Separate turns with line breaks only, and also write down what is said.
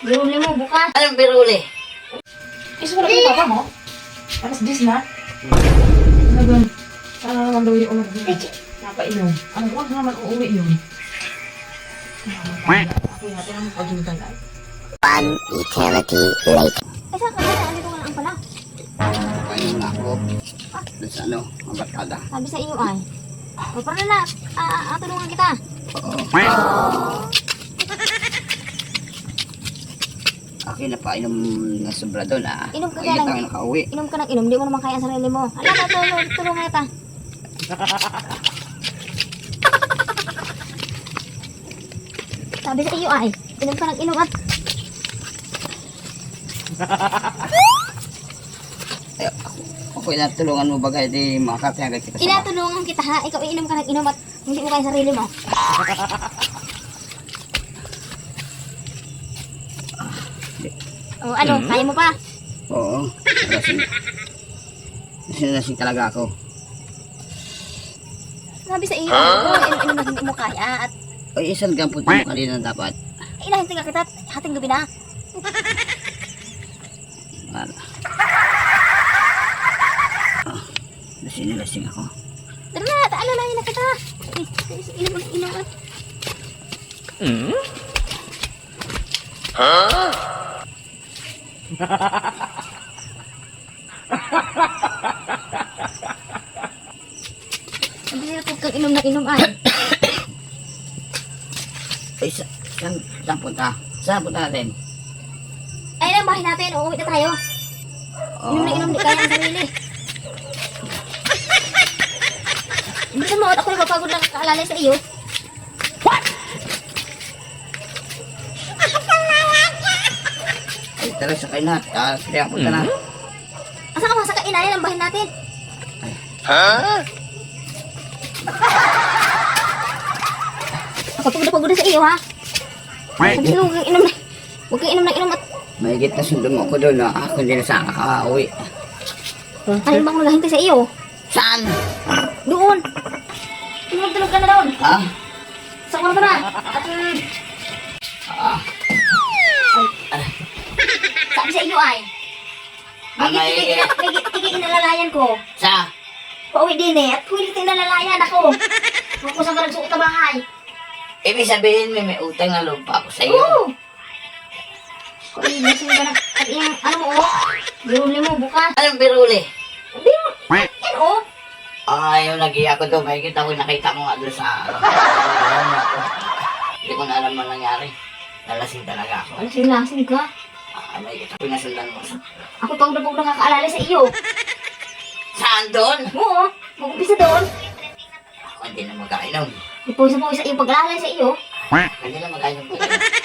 Biruli mo bukas.
Anong biruli?
Is wala ko papa mo? Alas 10 na? Nagun. Sana naman daw yung ulag niya. Napainom. Ang huwag naman uuwi yun. Ako natin ang paghintay ay.
One eternity later.
Eh, saan ka na? Andito ka lang pala.
Kayo na ako. Doon sa ano, mabarkada.
Sabi sa iyo ay. O, para na. Tulungan kita.
Akin na pa inom na sobra doon ah.
Inom ka
Kaya
lang.
tayo nakauwi.
Inom ka ng inom. Di mo naman kaya ang sarili mo. Tulungan kita. Sabi sa iyo ay. Inom ka ng inom at
Ay, ako inatulungan mo bagay di makakapin agad kita sa
inatulungan kita ha. Ikaw iinom ka ng inom at hindi mo kaya ang sarili mo. O ano, kaya mo pa?
Oo. Lasing. Lasing talaga ako.
Sabi sa iyo, inom na hindi mo kaya at
Ay, isang gampot mo kanina dapat.
inahinti ka kita at hating gabi na.
Wala. Lasing ako.
Tara na, alalayan na kita. Inom at. Sabi sa'yo, huwag kang inom na inom ay.
Ay, saan punta? Saan punta natin?
Ay, lang bahay natin, uuwi na tayo. Inom na inom, di kaya ang sarili. Bilisan mo, at ako napapagod lang kaalalay sa iyo.
Ay, tara sakay na. Kaya punta na.
Asa ka ba sa kainayan ang bahay natin? Ako pagod na sa iyo, ha? Sabi sa'yo, huwag kang inom na. Huwag kang inom na inom at
Mahigit na sundo mo ako doon. Ako hindi na saan nakaka-uwi.
alin bang maghahintay sa iyo?
Saan?
Doon! Tulog ka na doon!
Ha?
Sa kwarto na! At sabi sa iyo ay, tigil inalalayan ko.
Sa?
Pauwi din eh, at huwag inalalayan ako. Huwag ko sa nagsuot na bahay.
Ibig sabihin may utang na loob pa ako sa iyo.
Oo! Kung inisip ka na, at yung, ano mo biruli mo bukas.
Anong biruli?
Yan o!
Ay, yung nag-iya ko doon. Mahigit ako nakita mo nga doon sa Hindi ko na alam ang nangyari. Nalasing talaga ako.
Lasing ka.
Mahigit ako pinasundan mo.
Ako pang dabog nakakaalala sa iyo.
Saan doon?
Oo, mag-umpisa doon.
Ako hindi na magkainom.
Ipusa sa iyo pag-aalala sa iyo.
Hindi na magkainom ko.